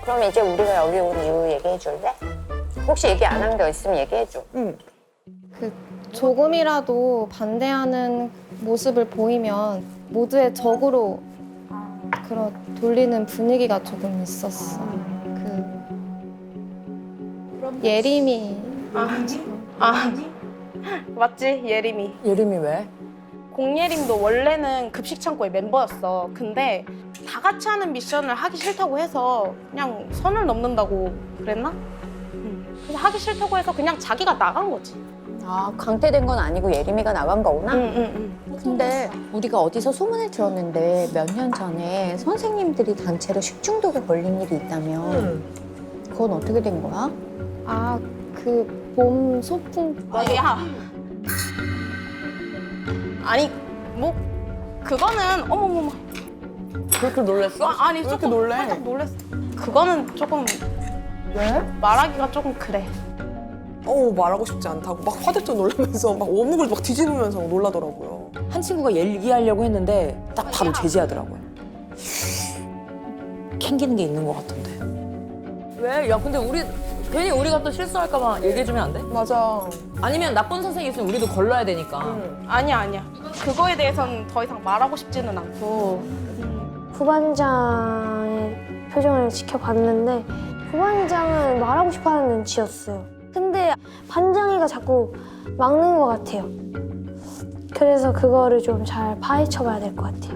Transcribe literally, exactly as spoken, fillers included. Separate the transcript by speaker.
Speaker 1: 그럼 이제 우리가 여기 온 이유 얘기해 줄래? 혹시 얘기 안 한 게 있으면 얘기해 줘.
Speaker 2: 응.
Speaker 3: 그 조금이라도 반대하는 모습을 보이면 모두의 적으로 그런 돌리는 분위기가 조금 있었어. 그 예림이
Speaker 4: 아, 맞지? 예림이.
Speaker 2: 예림이 왜?
Speaker 4: 공예림도 원래는 급식 창고의 멤버였어. 근데 다 같이 하는 미션을 하기 싫다고 해서 그냥 선을 넘는다고 그랬나? 응. 그래서 하기 싫다고 해서 그냥 자기가 나간 거지.
Speaker 1: 아, 강퇴된 건 아니고 예림이가 나간 거구나?
Speaker 4: 응, 응, 응.
Speaker 1: 근데 우리가 어디서 소문을 들었는데 몇 년 전에 선생님들이 단체로 식중독에 걸린 일이 있다며.
Speaker 2: 응.
Speaker 1: 그건 어떻게 된 거야?
Speaker 3: 아 그 봄 소풍
Speaker 4: 야. 아니, 뭐 그거는 어머머머.
Speaker 2: 그렇게 놀랬어?
Speaker 4: 아, 아니
Speaker 2: 왜 이렇게
Speaker 4: 조금
Speaker 2: 놀래?
Speaker 4: 살짝 놀랬어. 그거는 조금
Speaker 2: 왜?
Speaker 4: 말하기가 조금 그래.
Speaker 5: 어 말하고 싶지 않다고 막 화들짝 놀라면서 막 원목을 막 뒤집으면서 놀라더라고요.
Speaker 2: 한 친구가 얘기하려고 했는데 딱 바로 제지하더라고요. 캥기는 게 있는 것 같던데.
Speaker 6: 왜? 야, 근데 우리 괜히 우리가 또 실수할까봐 얘기해주면 안 돼?
Speaker 5: 맞아.
Speaker 6: 아니면 나쁜 선생님 있으면 우리도 걸러야 되니까.
Speaker 4: 아니야, 아니야. 그거에 대해서는 더 이상 말하고 싶지는 않고.
Speaker 7: 부반장의 표정을 지켜봤는데 부반장은 말하고 싶어하는 눈치였어요. 근데 반장이가 자꾸 막는 것 같아요. 그래서 그거를 좀 잘 파헤쳐봐야 될 것 같아요.